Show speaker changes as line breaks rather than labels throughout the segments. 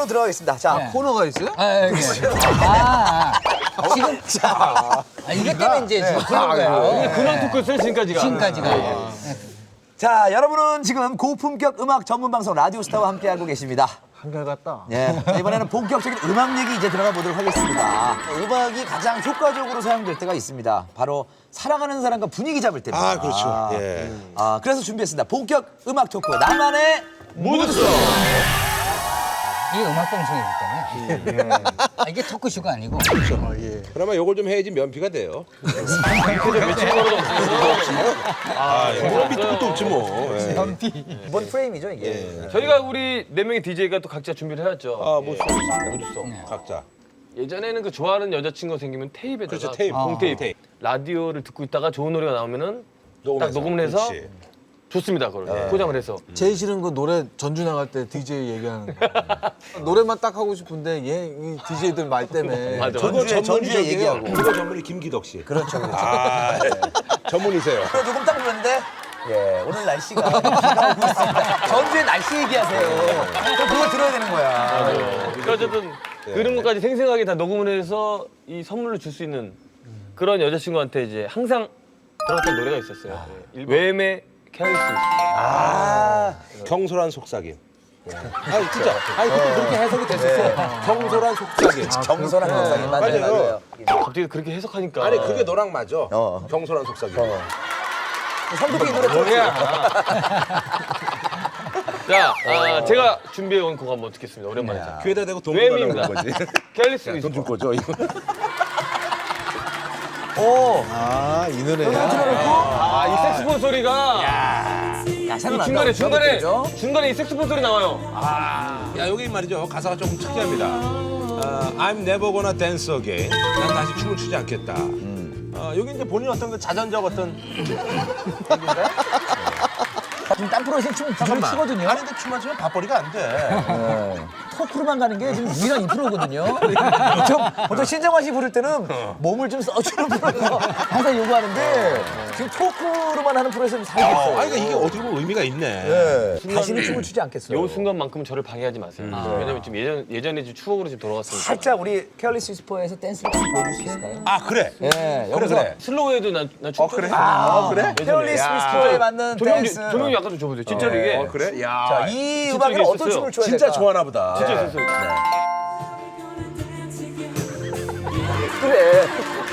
코너 들어가겠습니다. 자,
네.
코너가 있어요?
지금 이것 때문에 이제 지금 그런 거예요.
근황 토크였어요 지금까지가.
지금까지가.
자, 여러분은 지금 고품격 음악 전문 방송 라디오스타와 함께하고 계십니다.
한결같다.
예, 이번에는 본격적인 음악 얘기 이제 들어가 보도록 하겠습니다. 음악이 가장 효과적으로 사용될 때가 있습니다. 바로 사랑하는 사람과 분위기 잡을 때입니다.
아, 그렇죠. 예.
그래서 준비했습니다. 본격 음악 토크 나만의 무드송.
이게 음악 방송이기 때문에 이게 토크쇼가 아니고
그러면 요걸 좀 해야지 면피가 돼요. 그런 밑도 끝도 없지 뭐.
이번 프레임이죠 이게.
저희가 우리 네 명의 DJ가 또 각자 준비를 해왔죠.
뭐
무드송.
각자.
예전에는 그 좋아하는 여자친구가 생기면 테이프에다가
그렇죠, 테이프.
봉테이프.
테이프.
라디오를 듣고 있다가 좋은 노래가 나오면은 딱 녹음을 해서
그렇지.
좋습니다. 그걸 포장을 해서.
제일 싫은 건 노래 전주 나갈 때 DJ 얘기하는 거. 노래만 딱 하고 싶은데 이 DJ들 말 때문에.
맞아.
그거
전주에 얘기하고.
그거 전문이 김기덕 씨.
그렇죠.
아, 예. 전문이세요.
조금 딱 불렀는데 예, 오늘 날씨가 비가 오고 있습니다. 전주에 날씨 얘기하세요. 그거 들어야 되는 거야.
그러니까 어쨌든 그런 것까지 생생하게 다 녹음을 해서 이 선물로 줄 수 있는 그런 여자친구한테 이제 항상 들었던 노래가 있었어요. 웸의 캐리스.
경솔한 속삭임. 아니 진짜. 아니 그때 그렇게 해석이 됐었어. 경솔한 속삭임.
경솔한 영상이 맞아요.
갑자기 그렇게 해석하니까.
아니 그게 너랑 맞아. 경솔한 속삭임.
성도적인 노래 들어야.
자, 제가 준비해온 곡 한번 듣겠습니다. 오랜만에.
귀에다 대고 돈
웸입니다.
받는 거지.
캐리스.
돈 줄 거죠 이거.
아, 이 노래야.
이 색스폰 소리가 이 중간에 이 색스폰 소리 나와요.
야 여기 말이죠 가사가 조금 특이합니다. I'm never gonna dance again. 난 다시 춤을 추지 않겠다. 여기 이제 본인 어떤 그 자전적 어떤
지금 딴 프로에서 춤을 추거든요.
아니 근데 춤만 추면 밥벌이가 안 돼.
토크로만 가는 게 지금 유일한 이 프로거든요. 보통 신정환 씨 부를 때는 몸을 좀 써주는 프로에서 항상 요구하는데 지금 토크로만 하는 프로에서 좀 살겠어요.
아니 그러니까 이게 어떻게 보면 의미가 있네.
다시는 춤을 추지 않겠어요.
요 순간만큼은 저를 방해하지 마세요. 왜냐면 지금 예전에 지금 추억으로 지금 돌아갔으니까.
살짝 우리 케어리스 위스퍼에서 댄스를 좀 보여줄 수 있을까요?
아 그래.
예, 여기서
그래.
슬로우에도 난 춤.
그래?
그래? 케어리스 위스퍼에 맞는 댄스.
조명이 아까 좀 줘보세요. 진짜로 이게.
그래? 야.
자, 이
진짜
음악을
이게
어떤
있었어요.
춤을 춰야
진짜
될까?
좋아하나 보다.
진짜 있었어요.
그래.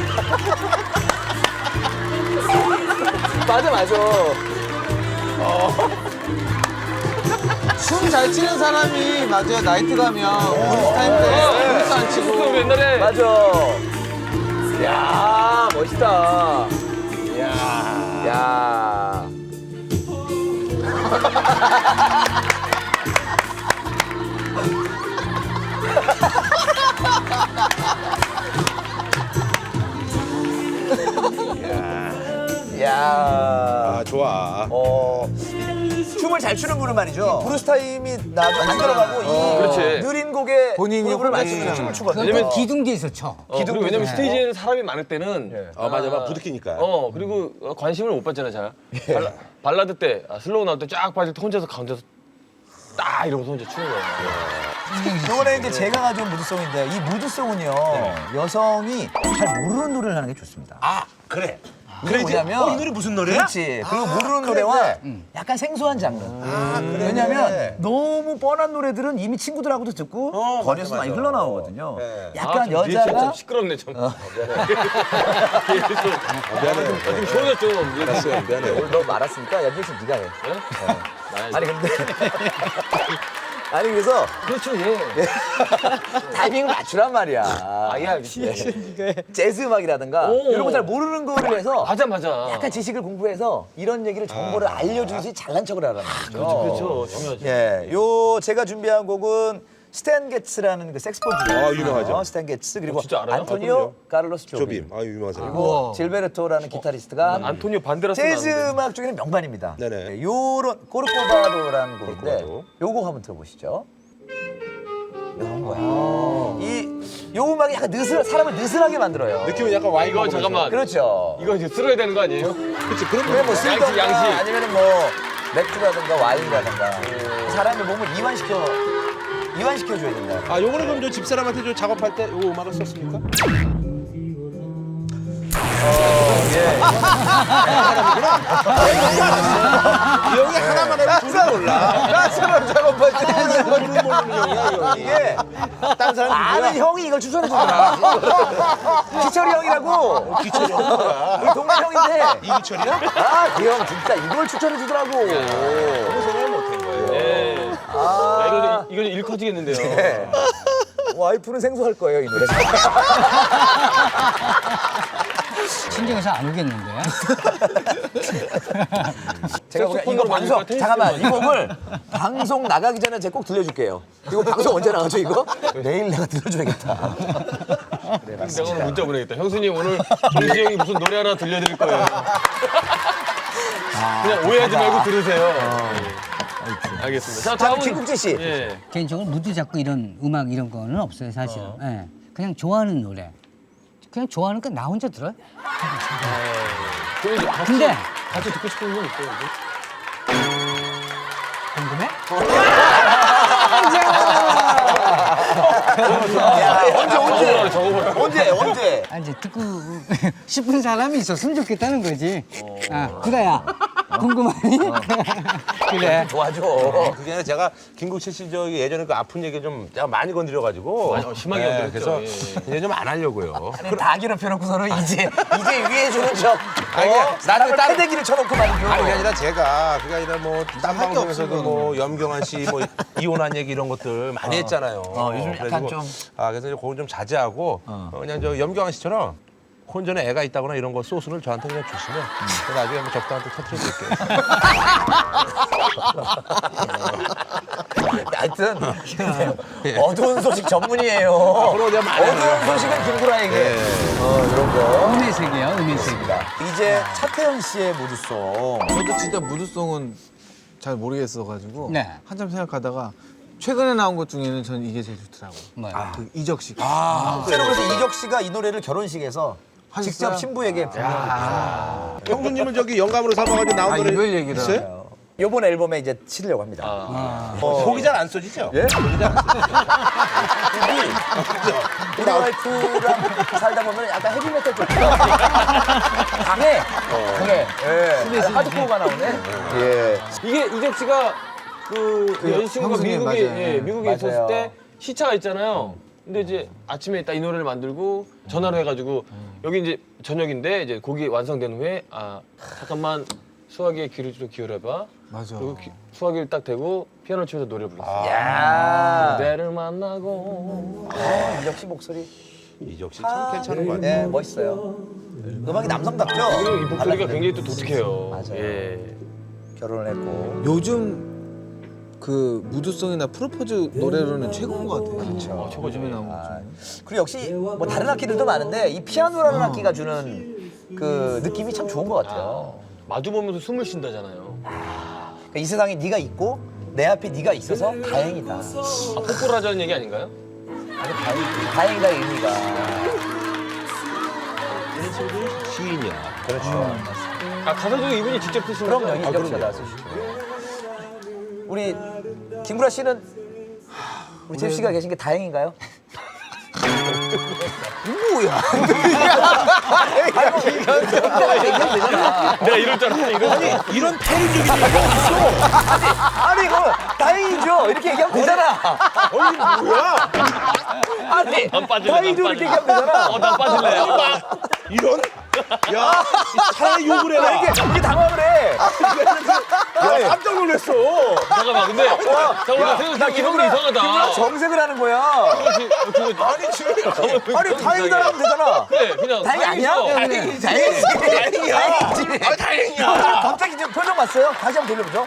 맞아.
춤 잘 추는 사람이 맞아요. 나이트 가면 타임 때 춤도 안 치고.
우리 옛날에
맞아. 야, 멋있다. 야. 야.
아 좋아.
춤을 잘 추는 분은 말이죠. 브루스 타임이 나도 안 들어가고 이
그렇지.
느린 곡에
본인이
호흡을
혼자
맞추면서 춤을 추거든요.
왜냐면
기둥대에서 쳐.
그리고 왜냐면 스테이지에는 사람이 많을 때는
맞아. 부득이니까.
그리고 관심을 못 받잖아 잘. 발라드 때 슬로우 나올 때 쫙 빠질 때 혼자서 가운데서 딱 이러면서 혼자 추는 거예요.
이번에 이제 제가 가져온 무드송인데 이 무드송은요 여성이 잘 모르는 노래를 하는 게 좋습니다.
아 그래.
이게 뭐냐면
이 노래 무슨 노래야?
그렇지. 그리고 모르는 노래와 약간 생소한 장르. 왜냐면 너무 뻔한 노래들은 이미 친구들하고도 듣고 거리에서 많이 흘러나오거든요. 약간
뒤에
여자가
좀 시끄럽네 좀.
미안해.
좀 시원해 좀.
미안해.
오늘 너무 말았으니까 연준 씨 네가 해. 아니 근데 아니 그래서
그렇죠 예.
타이밍을 맞추란 말이야.
아예 알겠습니다.
재즈 음악이라든가
오.
이런 거 잘 모르는 거를 해서
맞아.
약간 지식을 공부해서 이런 얘기를 정보를 알려주듯이 잘난 척을 하라는 거죠.
그렇죠 중요하죠.
예, 요 제가 준비한 곡은 스탠 게츠라는 그 색스폰 주자.
유명하죠.
스탠 게츠 그리고
진짜 알아요?
안토니오 카를로스 조빔.
조빔. 유명한 사람.
그리고 질베르토라는 기타리스트가
안토니오 반데라스
재즈 음악 중에는 명반입니다.
네네.
예, 요런 코르코바도라는 곡인데
코르코바도.
요 곡 한번 들어보시죠. 이런 거야. 요 음악이 약간 사람을 느슨하게 만들어요.
느낌은 약간 와인
이거
먹으면서.
잠깐만.
그렇죠.
이거 이제 쓸어야 되는 거 아니에요?
그렇지. 그런
그래 뭐
양식,
술이든가
양식.
아니면 뭐 맥주라든가 와인이라든가 사람의 몸을 이완시켜 이완시켜줘야 된다.
아, 요거는 그럼 저 집사람한테 저 작업할 때 요거 음악을 썼습니까? 이 형이 하나만 해도 둘을 몰라.
나 사람 작업할 때
둘을 모르는 형이야, 이 형이.
이게
딴 사람
아는 형이 이걸 추천해주더라. 기철이 형이라고.
기철이 형이야.
우리 동네 형인데.
이기철이야?
아, 그 형 진짜 이걸 추천해주더라고.
그거 생각을 못한 거예요.
예.
아,
야, 이거 일 커지겠는데요.
네. 와이프는 생소할 거예요, 이 노래.
신경에서 안 오겠는데.
제가 보기엔 이거
색소폰으로
방송
만들까?
잠깐만 이 곡을 방송 나가기 전에 제가 꼭 들려줄게요. 이거 방송 언제 나가죠 이거? 내일 내가 들려줘야겠다. 네,
내가 오늘 문자 보내겠다. 형수님 오늘 정지 형이 무슨 노래 하나 들려드릴 거예요. 그냥 오해하지 말고 들으세요. 예. 알겠습니다. 자,
다음
다음은
김국진 씨.
예.
개인적으로 무드 잡고 이런 음악 이런 거는 없어요 사실은. 예. 그냥 좋아하는 노래. 그냥 좋아하니까 나 혼자 들어요.
그럼 이제 같이,
근데
같이 듣고 싶은 건 있어요.
궁금해?
언제?
아, 이제 듣고 싶은 사람이 있었으면 좋겠다는 거지. 아, 구다야. 궁금하니? 그래.
좋아져.
그게 아니라 제가 김국철 씨 저 예전에 그 아픈 얘기 좀 제가 많이 건드려가지고
심하게 건드렸죠.
그래서
예.
이제 좀 안 하려고요.
다 괴롭혀놓고서는 이제 위해 주는 척.
아니,
나를
다른-
패대기를 쳐놓고 말이죠.
아니 그게 아니라 제가 그게 아니라 뭐 딴 방송에서도 뭐 염경환 씨 뭐 이혼한 얘기 이런 것들 많이 했잖아요.
요즘 약간
그래가지고
좀.
그래서 이제 그건 좀 자제하고 그냥 저 염경환 씨처럼 혼전에 애가 있다거나 이런 거 소스를 저한테 그냥 주시면 제가 나중에 뭐 적당한테 터뜨려드릴게요.
하여튼 어두운 소식 전문이에요.
그럼 내가 많이
어두운 소식은 김구라에게. 이런 거.
음의 세계야, 음의 세계.
이제 차태현 씨의 무드송.
저도 진짜 무드송은 잘 모르겠어가지고
네.
한참 생각하다가 최근에 나온 것 중에는 저는 이게 제일 좋더라고요.
뭐야?
그 이적 씨.
그래서 이적 씨가 이 노래를 결혼식에서
하셨어요?
직접 신부에게 부르는
형수님은 저기 영감으로 삼아가지고 나온
아,
노래
이별 얘기를
있어요?
이번 앨범에 이제 치려고 합니다.
속이 잘 안 써지죠?
예? 우리 와이프랑 살다 보면 약간 헤비메탈 쪽 강해. 예. 하드코어가 나오네. 예.
이게 이적 씨가 그 여자친구가
형수님,
미국에
맞아요.
예, 미국에
맞아요.
있었을 때 시차가 있잖아요. 근데 이제 아침에 딱 이 노래를 만들고 전화로 해가지고 여기 이제 저녁인데 이제 곡이 완성된 후에 아 잠깐만 수화기에 귀를 좀 기울여봐.
맞아.
그리고 수화기를 딱 대고 피아노 치면서 노래를 불렀어요.
야.
그대를 만나고
이적 씨 목소리.
이적 씨 참 괜찮은 것 같아요.
네, 멋있어요. 음악이 남성답죠?
그리고 이 목소리가 굉장히 또 독특해요.
맞아요.
예.
결혼을 했고.
요즘 그 무드송이나 프로포즈 노래로는 최고인 것 같아요. 그렇죠.
최고죠.
요즘에 나온 것 중에.
그리고 역시 뭐 다른 악기들도 많은데 이 피아노라는 악기가 주는 그 느낌이 참 좋은 것 같아요.
마주 보면서 숨을 쉰다잖아요.
그러니까 이 세상에 네가 있고 내 앞에 네가 있어서 다행이다.
아, 뽀뽀를 하자는 얘기 아닌가요?
아주 다행이다 의미가.
시인이야.
그렇죠.
아 가사도 이분이 직접 쓰신
그럼요.
거죠?
이적 씨가 다 쓰시죠. 우리 김구라 씨는 우리 잽 씨가 계신 게 다행인가요? 뭐야?
내가 이럴 줄 알았어. 이거
이런 패륜적인 얘기가
아니 이거 다행이죠. 이렇게 얘기하면 되잖아.
아니 뭐야?
아니
안 빠질래.
다행이죠. 이렇게 얘기하면 되잖아.
난 빠질래.
이런? 야, 차라리 욕을 해라.
이게 당황을 해.
야, 깜짝 놀랐어.
잠깐만 근데 잠깐만 생각해보니까 이런 거 이상하다.
정색을 하는 거야.
아니 지금
아니 다행이다 하면 되잖아.
그래 그냥
다행이 아니야?
다행이죠.
다행이지. 다행이야.
아, 다행이야.
갑자기 지금 표정 봤어요? 다시 한번 돌려보죠.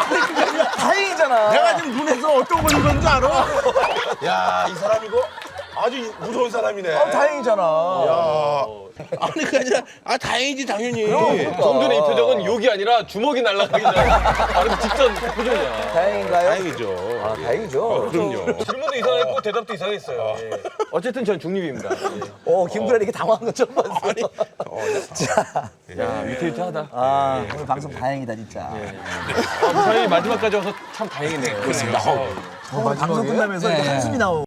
다행이잖아.
내가 지금 눈에서 어떤 걸 읽었는지 알아? 야, 이 사람 이거 아주 무서운 사람이네.
다행이잖아.
아니 그게 아니라 다행이지 당연히.
좀 전에 이 표정은 욕이 아니라 주먹이 날아가기 전 바로 직전 표정이야.
다행인가요?
다행이죠.
아, 다행이죠.
그럼요.
질문도 이상했고 대답도 이상했어요. 예. 어쨌든 전 중립입니다. 예.
김구라 이렇게 당황한 것 처음 봤어. 자,
야 위태위태하다.
오늘 방송 다행이다 진짜.
무사히 마지막까지 와서 참 다행이네요.
그렇습니다.
방송 끝나면서 이렇게 한숨이 나오고.